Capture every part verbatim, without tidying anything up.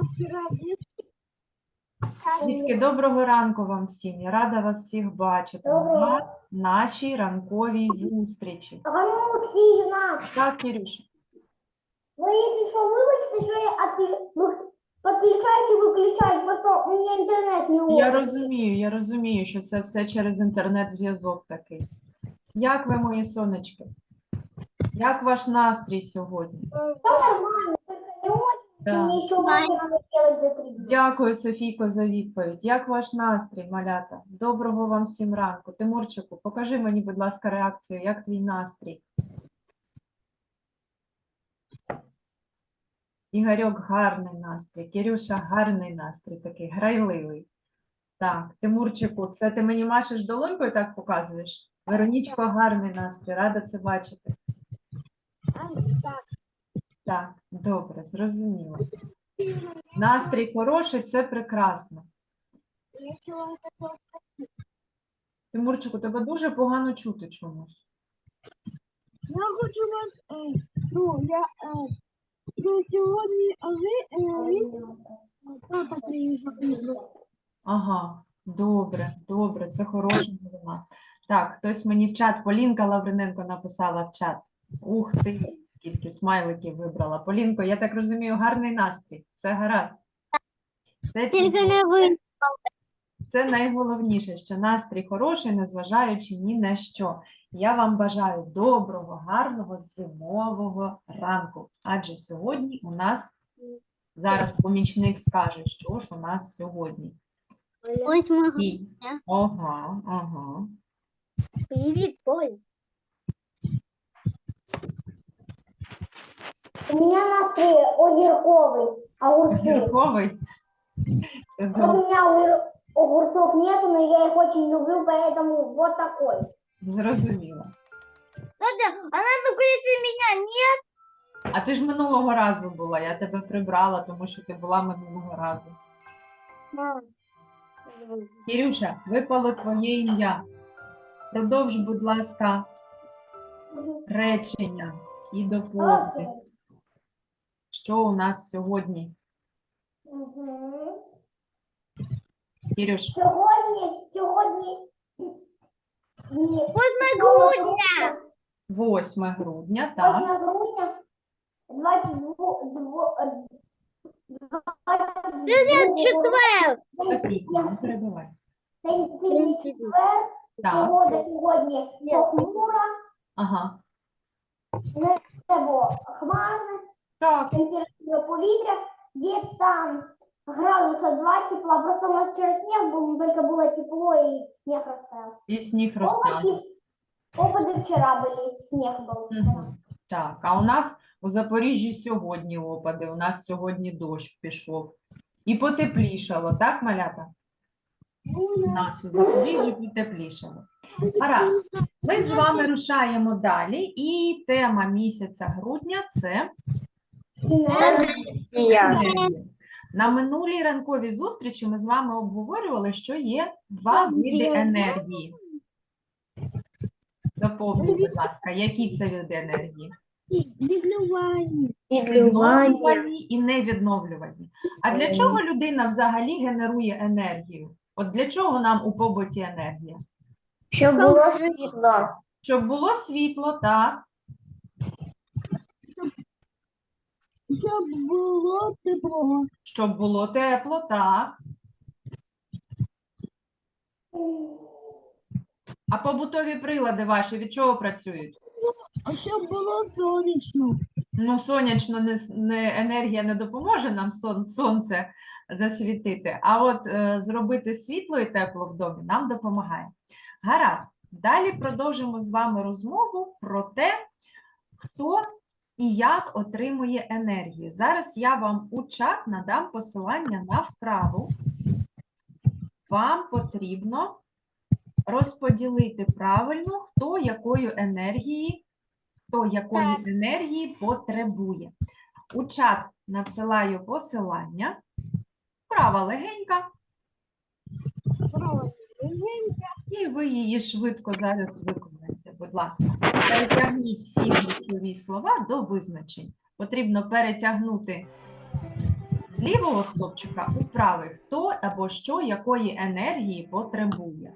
Дітки, доброго ранку вам всім. Я рада вас всіх бачити на нашій ранковій зустрічі. Ганна Олексіївна, Так, Кирюша? ви, якщо що, вибачте, що я отклю- ви- підключаюсь і виключаю, просто у мене інтернет не Я ловить. розумію, я розумію, що це все через інтернет-зв'язок такий. Як ви, мої сонечки? Як ваш настрій сьогодні? Та нормально, тільки не очень. Так. Мені ще уроки треба зробити за три дні. Дякую, Софійко, за відповідь. Як ваш настрій, малята? Доброго вам всім ранку. Тимурчику, покажи мені, будь ласка, реакцію. Як твій настрій? Ігорьок, гарний настрій. Кирюша, гарний настрій, такий грайливий. Так, Тимурчику, це ти мені машеш долонькою, так показуєш? Веронічко, гарний настрій, рада це бачити. Так, добре, зрозуміло. Настрій хороший, це прекрасно. Тимурчику, тебе дуже погано чути чомусь. Я хочу вас, е, ну, я, е, ну, сьогодні, а ви, е, він, папа приїхав. Ага, добре, добре, це хороша новина. Так, хтось мені в чат, Полінка Лавриненко написала в чат. Ух ти, скільки смайликів вибрала. Полінко, я так розумію, гарний настрій. Все гаразд. Це, Тільки не ви. це найголовніше, що настрій хороший, незважаючи ні на що. Я вам бажаю доброго, гарного зимового ранку. Адже сьогодні у нас, зараз помічник скаже, що ж у нас сьогодні. Ось ми. І... Ага, ага. Привіт, Поль. У мене настрій огірковий, огурці. Огірковий? Це Вот добре. у меня огур- огурцов нету, но я их очень люблю, поэтому вот такой. Зрозуміло. Она только если меня нет. А ти ж минулого разу була, я тебе прибрала, тому що ти була минулого разу. Мам. Кирюша, випало твоє ім'я. Продовж, будь ласка, речення і доповни. Окей. Що у нас сьогодні? Мгм. Кирюш, Сьогодні, сьогодні... Ні. восьме грудня. восьме грудня, так? восьме грудня, двадцять два... Четвер. Софійко, не перебивай. День четвер, Так, погода сьогодні похмура, ага. небо хмарне, Так, температура повітря, десь там градуса два тепла, просто у нас вчора сніг був, тільки було тепло і сніг розтаяв. і сніг розтане. Опади, опади вчора були, сніг був вчора. Мгм. Так, а у нас у Запоріжжі сьогодні опади, у нас сьогодні дощ пішов. І потеплішало, так, малята? У нас у Запоріжжі потеплішало. Гаразд, ми з вами рушаємо далі, і тема місяця грудня – це енергія. На минулій ранковій зустрічі ми з вами обговорювали, що є два види енергії. Доповніть, будь ласка, які це види енергії? Відлювання. Відновлювальні і невідновлювальні. А для чого людина взагалі генерує енергію? От для чого нам у побуті енергія? Щоб було світло. Щоб було світло, так. Щоб було тепло. Щоб було тепло, так. А побутові прилади ваші від чого працюють? А щоб було сонячно. Ну, сонячно не, не, енергія не допоможе нам сон, сонце засвітити, а от е, зробити світло і тепло в домі нам допомагає. Гаразд, далі продовжимо з вами розмову про те, хто і як отримує енергію. Зараз я вам у чат надам посилання на вправу. Вам потрібно розподілити правильно, хто якої енергії, хто якої енергії потребує. У чат надсилаю посилання. Вправа легенька. І ви її швидко зараз виконаєте. Будь ласка, перетягніть всі ключові слова до визначень. Потрібно перетягнути З лівого стовпчика у правий хто або що якої енергії потребує.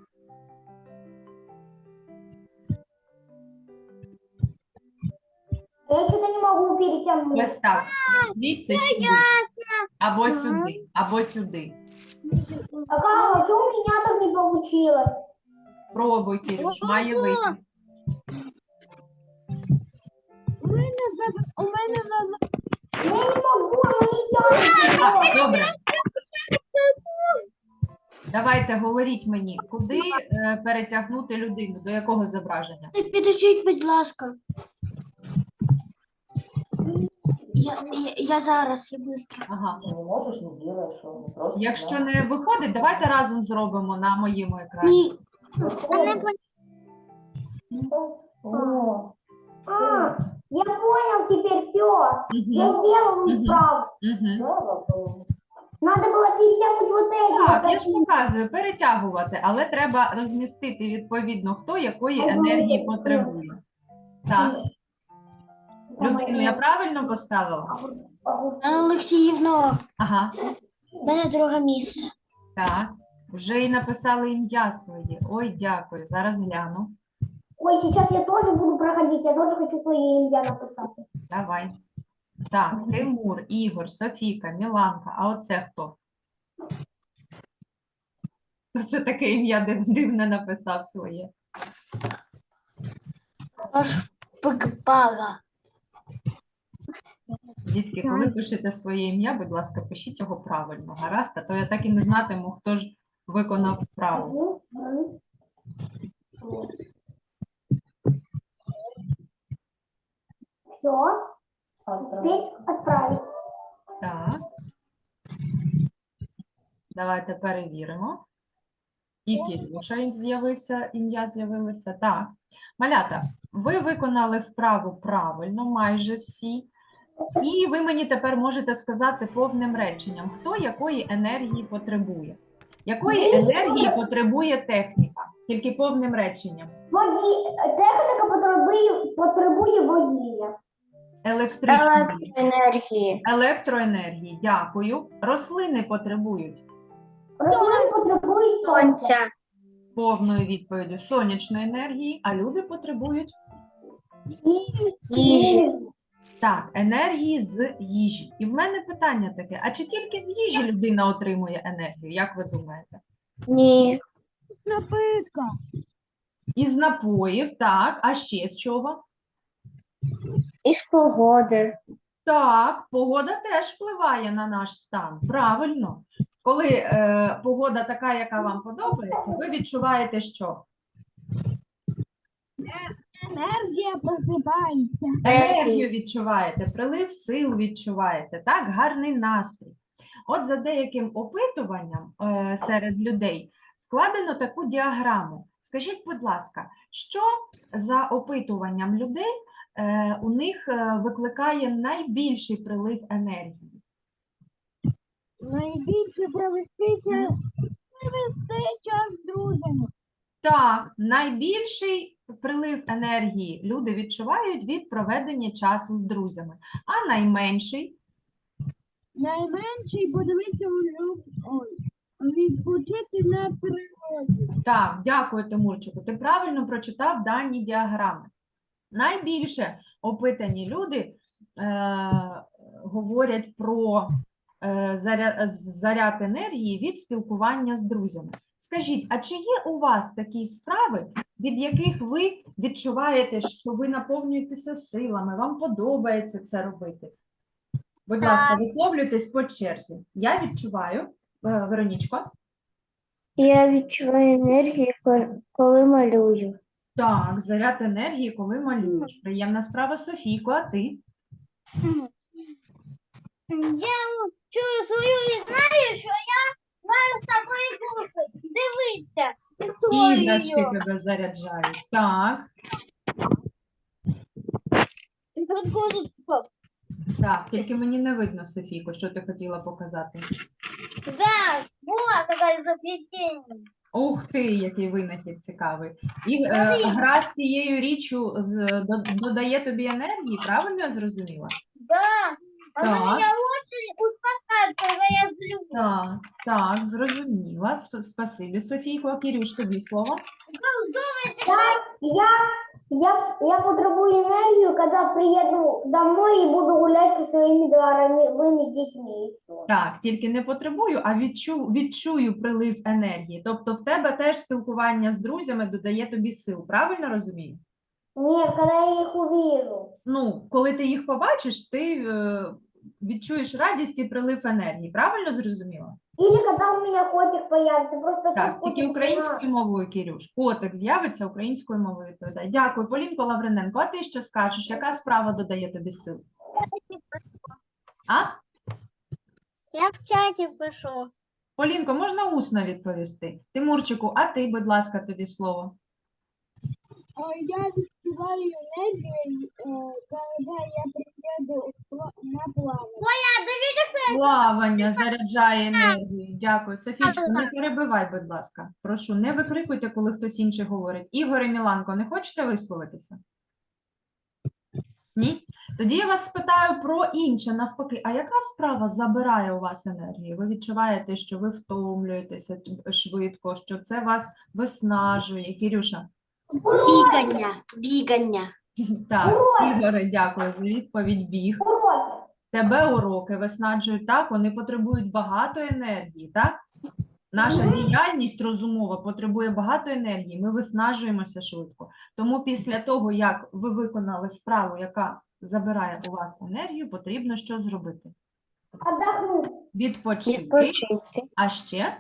Я что-то не могу перетянуть. Ось так. Звідси сюди. Або сюди, або сюди. А как, а что у меня так не получилось? Пробуй, Кирюш, має вийти. У мене за у мене за Я не могу, оно не тянется. А, добре. Давайте говоріть мені, куди е, перетягнути людину, до якого зображення? Підождіть, будь ласка. Я, я, я зараз, я швидко. Ага. Ты не можешь, не делаешь, что не просто. Якщо не виходить, давайте разом зробимо на моєму екрані. Ні, О, А, я понял теперь все. Я Мгм. сделал Мгм. справку. Мгм. слава Богу. Надо было перетянуть вот эти. Так, вот я ж такие. показую, перетягувати, але треба розмістити відповідно, хто якої Ага. енергії потребує. Так, Там людину я они- правильно поставила? огурцы. Олексіївно, Ага, в мене друге місце. так. Вже і написали ім'я своє. Ой, дякую. Зараз гляну. Ой, сейчас я тоже буду проходить. Я тоже хочу свое имя написать. Давай. Так, Тимур, Ігор, Софійка, Міланка. А оце хто? Хто це таке ім'я див- дивне написав своє? Аж пикпала. Дітки, коли пишете своє ім'я, будь ласка, пишіть його правильно. Гаразд, а то я так і не знатиму, хто ж виконав вправу. Все. Теперь отправить. Так. Давайте перевіримо. І Кирюша їм з'явився, ім'я з'явилося. Так. Малята, ви виконали вправу правильно, майже всі. І ви мені тепер можете сказати повним реченням, хто якої енергії потребує. Якої енергії потребує техніка? Тільки повним реченням. Воді... Техніка потребує, потребує водіння. Електричної Енергії. електроенергії. Дякую. Рослини потребують Рослини потребують сонця. повною відповіддю сонячної енергії, а люди потребують І так, енергії з їжі. І в мене питання таке: а чи тільки з їжі людина отримує енергію? Як ви думаєте? Ні. напитка. Із напоїв, так, а ще з чого? Із погоди. Так, погода теж впливає на наш стан. Правильно. Коли е, погода така, яка вам подобається, ви відчуваєте що? Енергія просипається. Енергію відчуваєте, прилив сил відчуваєте, так, гарний настрій. От за деяким опитуванням е, серед людей складено таку діаграму. Скажіть, будь ласка, що за опитуванням людей е, у них е, викликає найбільший прилив енергії? Найбільше провести час, провести час з друзями. Так, найбільший прилив енергії люди відчувають від проведення часу з друзями, а найменший Найменший подивитися у люб... Ой, відпочити на природі. так, дякую, Тимурчику. Ти правильно прочитав дані діаграми. Найбільше опитані люди е, говорять про е, заряд, заряд енергії від спілкування з друзями. Скажіть, а чи є у вас такі справи, від яких ви відчуваєте, що ви наповнюєтеся силами, вам подобається це робити? Будь ласка, висловлюйтесь по черзі. Я відчуваю, е, Веронічко. Я відчуваю енергію, коли малюю. Так, заряд енергії, коли малюєш. Приємна справа, Софійко, а ти? Я чую свою і знаю, що я маю з тобою кушати. Дивіться. Іграшки тебе заряджають. Так, так, тільки мені не видно, Софійко, що ти хотіла показати. Да, була така заплетення. Ух ти, який винахід цікавий. І е, гра з цією річчю з, до- додає тобі енергії, правильно я зрозуміла? Да. Так, очень успокаивает, когда я злюсь. так, так, зрозуміла. Сп- Спасибі, Софійко. Кирюш, тобі слово. Так, я, я, я потребую энергию, когда приеду домой и буду гулять со своими дворовыми детьми. и всё. Так, тільки не потребую, а відчу, відчую прилив енергії. Тобто в тебе теж спілкування з друзями додає тобі сил, правильно розумію? Нет, когда я их увижу. Ну, коли ти їх побачиш, ти е, відчуєш радість і прилив енергії, правильно зрозуміла? Или когда у меня котик появится, просто Так, тут котик тільки не українською мовою, Кирюш. Котик з'явиться українською мовою відповідає. Дякую, Полінко Лавриненко. А ти що скажеш? Яка справа додає тобі сил? А? Я в чаті пишу. Полінко, можна усно відповісти? Тимурчику, а ти, будь ласка, тобі слово. Я відчуваю енергію, коли я приїду на плавання. Плавання заряджає енергію. Дякую. Софійчко, не перебивай, будь ласка. Прошу, не викрикуйте, коли хтось інший говорить. Ігор і Міланко, не хочете висловитися? Ні? Тоді я вас спитаю про інше, навпаки. А яка справа забирає у вас енергію? Ви відчуваєте, що ви втомлюєтеся швидко, що це вас виснажує? Кирюша? Бігання, бігання. Так, Ігоре, дякую за відповідь. Біг. уроки. Тебе уроки виснажують, так, вони потребують багато енергії, так? Наша діяльність розумова потребує багато енергії, ми виснажуємося швидко. Тому після того, як ви виконали справу, яка забирає у вас енергію, потрібно що зробити? Отдохнуть. Відпочити, а ще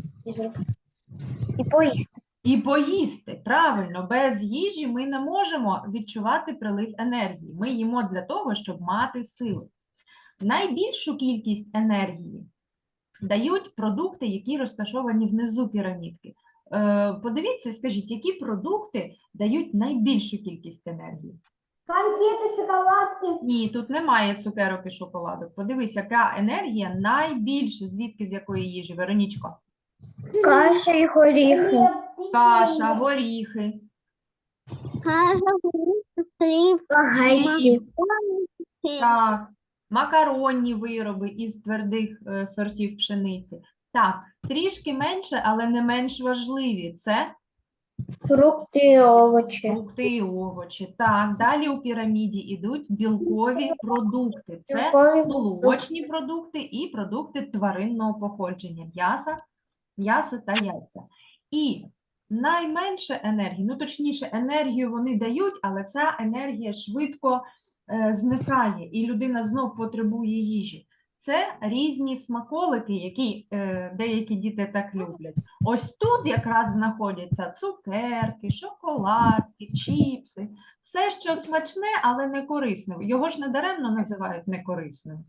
І поїсти. і поїсти. Правильно, без їжі ми не можемо відчувати прилив енергії. Ми їмо для того, щоб мати сили. Найбільшу кількість енергії дають продукти, які розташовані внизу пірамідки. Е, подивіться, скажіть, які продукти дають найбільшу кількість енергії? Конфеты, шоколадки. Ні, тут немає цукерок і шоколадок. Подивись, яка енергія найбільше, звідки, з якої їжі, Веронічко? Каша і горіхи. Хлеб, Каша, печенье. горіхи, Каша, горіхи, хліб, спагетті. так, макаронні вироби із твердих е, сортів пшениці. Так, трішки менше, але не менш важливі. Це Фрукти і овочі. фрукти і овочі. Так, далі у піраміді йдуть білкові продукти. Це Білкові молочні продукти і продукти тваринного походження, м'яса, м'ясо та яйця. І найменше енергії, ну точніше, енергію вони дають, але ця енергія швидко е, зникає, і людина знов потребує їжі. Це різні смаколики, які е, деякі діти так люблять. Ось тут якраз знаходяться цукерки, шоколадки, чіпси, все, що смачне, але не корисне. Його ж недаремно називають некорисним.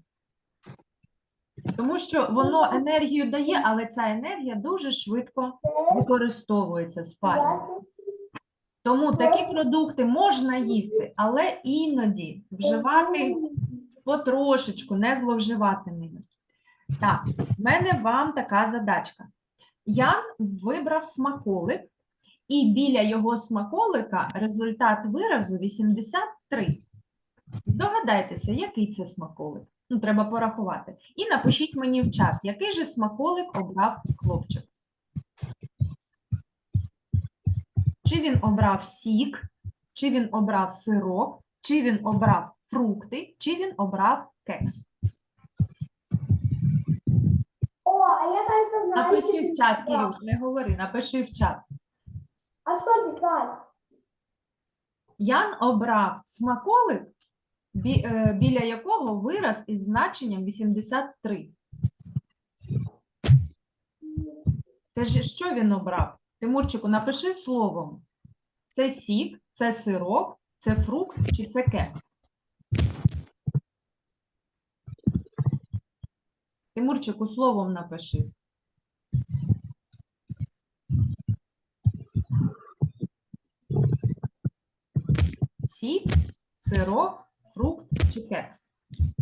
Тому що воно енергію дає, але ця енергія дуже швидко використовується, спалюється. Тому такі продукти можна їсти, але іноді вживати потрошечку, не зловживати ними. Так, в мене вам така задачка. Ян вибрав смаколик, і біля його смаколика результат виразу вісімдесят три. Здогадайтеся, який це смаколик. Ну, треба порахувати. І напишіть мені в чат, який же смаколик обрав хлопчик. Чи він обрав сік, чи він обрав сирок, чи він обрав фрукти, чи він обрав кекс. О, а я, кажется, знаю. Напиши что в чат, ты Кирюш, не говори, напиши в чат. А что писать? Ян обрав смаколик, бі- е, біля якого вираз із значенням вісімдесят три. Це ж що він обрав? Тимурчику, напиши словом. Це сік, це сирок, це фрукт чи це кекс? Тимурчику, словом напиши. Сік, сирок, фрукт чи кекс?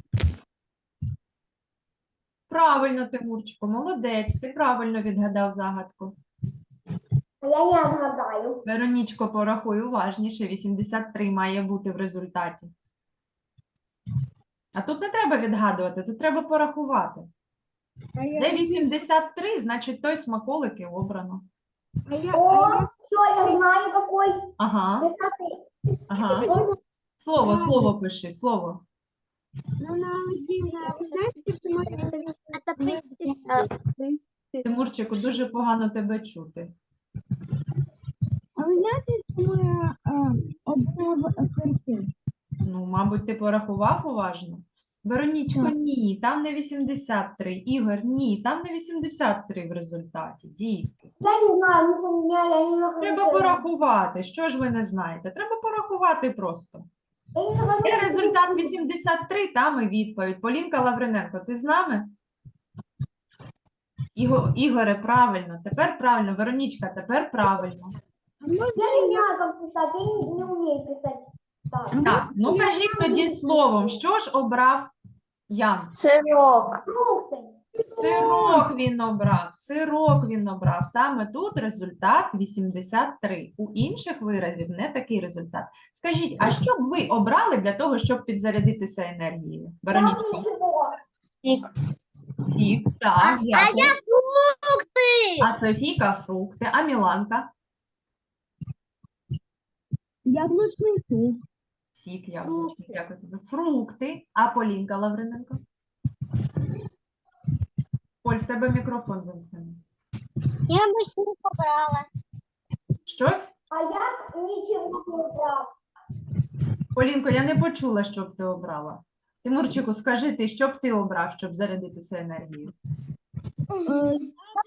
Правильно, Тимурчику, молодець, ти правильно відгадав загадку. А я не отгадаю. Веронічко, порахуй уважніше, вісімдесят три має бути в результаті. А тут не треба відгадувати, тут треба порахувати. А я, Де вісімдесят три, значить той смаколик і обрано. а я, О, а я, все, я знаю какой. Ага, Высоты. ага. Слово, слово пиши, слово. ну, на Валентина, ви знаєте, що ми... Тимурчику, дуже погано тебе чути. А ви знаєте, що ми обрав серці? Ну, мабуть, ти порахував уважно. Веронічко, Так. ні, там не вісімдесят три. Ігор, ні, там не вісімдесят три в результаті. Дітки. Я не знаю, ну, у меня, я не нахожу. Треба порахувати. Що ж ви не знаєте? Треба порахувати просто. Я не нахожу. Є результат вісімдесят три, там і відповідь. Полінка Лавриненко, ти з нами? Іго, Ігоре, правильно, тепер правильно. Веронічка, тепер правильно. А можна Я не знаю, как писать, я не, не умею писать. Так. Так, ну кажіть тоді словом, що ж обрав Ян? Сирок. Фрукты. Сирок він обрав, сирок він обрав. Саме тут результат вісімдесят три. У інших виразів не такий результат. Скажіть, а що б ви обрали для того, щоб підзарядитися енергією? Там Веронічко, ничего. сік, так, дякую. Фрукти. А Софійка фрукти, а Міланка? яблучний суп? Сік, яблучний, дякую тобі. Фрукти, а Полінка Лавриненко? Поль, в тебе мікрофон вимкнений. Я би ще не побрала. Щось? А я ничего не убрал. Полінко, я не почула, що б ти обрала. Тимурчику, скажи ти, що б ти обрав, щоб зарядитися енергією? Е,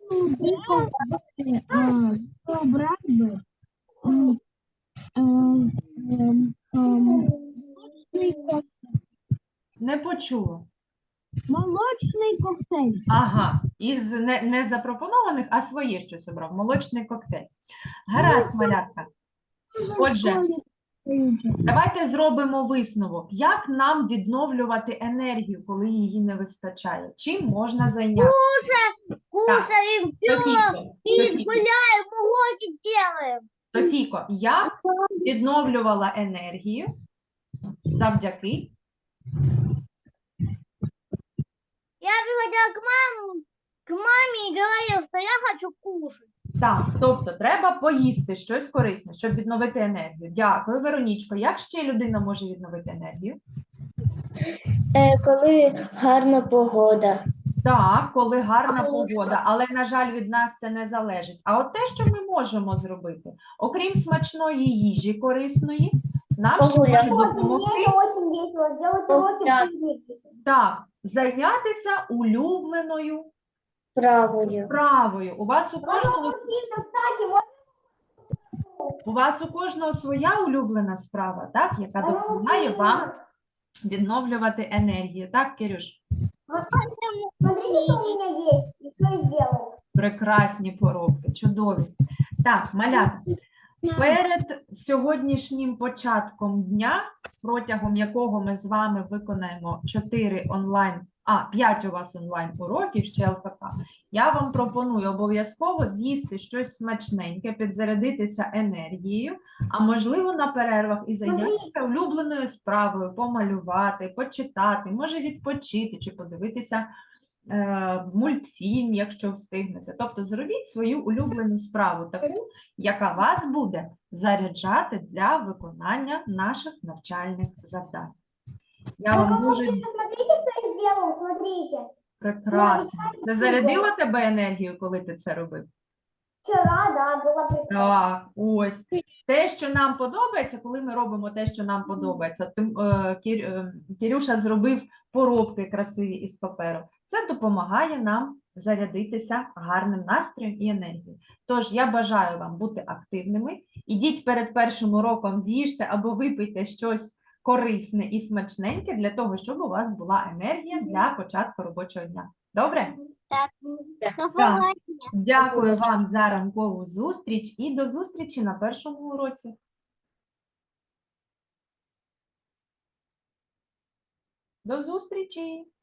Я обрав би м, ем, ем, ем, молочний коктейль. Не почула. Молочний коктейль. Ага, із не, не запропонованих, а своє щось обрав. Молочний коктейль. Гаразд, малятка. Отже, давайте зробимо висновок. Як нам відновлювати енергію, коли її не вистачає? Чим можна зайнятися? Кушаємо, Софійко, Софійко, гуляємо, уроки делаємо. Софійко, я відновлювала енергію завдяки. Я приходила к маме, к маме и говорила, что я хочу кушать. Так, тобто треба поїсти щось корисне, щоб відновити енергію. Дякую, Веронічко. Як ще людина може відновити енергію? Коли гарна погода. Так, коли гарна погода, але, на жаль, від нас це не залежить. А от те, що ми можемо зробити, окрім смачної їжі корисної, нам ще може допомогти Мне это очень весело. Сделать уроки пикники. так, зайнятися улюбленою Правою. справою. У вас у кожного, с- Сильно встать и можно у вас у кожного своя улюблена справа, так, яка допомагає вам відновлювати енергію. Так, Кирюш? Смотрите, что у меня есть. И что я сделал. Прекрасні поробки, чудові. Так, малята, перед сьогоднішнім початком дня, протягом якого ми з вами виконаємо чотири онлайн, а, п'ять у вас онлайн уроків, ще ел ка ка, я вам пропоную обов'язково з'їсти щось смачненьке, підзарядитися енергією, а можливо на перервах і зайнятися улюбленою справою, помалювати, почитати, може відпочити чи подивитися е, мультфільм, якщо встигнете. Тобто зробіть свою улюблену справу, таку, яка вас буде заряджати для виконання наших навчальних завдань. Я вам дуже Смотрите, что я сделал. Смотрите. прекрасно. Це зарядило тебе енергію, коли ти це робив? Вчера, да, было прекрасно. Так, ось. Те, що нам подобається, коли ми робимо те, що нам подобається. Тим, е, Кір, е, Кірюша зробив поробки красиві із паперу. Це допомагає нам зарядитися гарним настроєм і енергією. Тож я бажаю вам бути активними. Ідіть перед першим уроком, з'їжте або випийте щось корисне і смачненьке для того, щоб у вас була енергія для початку робочого дня. Добре? Так. Дякую вам за ранкову зустріч і до зустрічі на першому уроці. До зустрічі!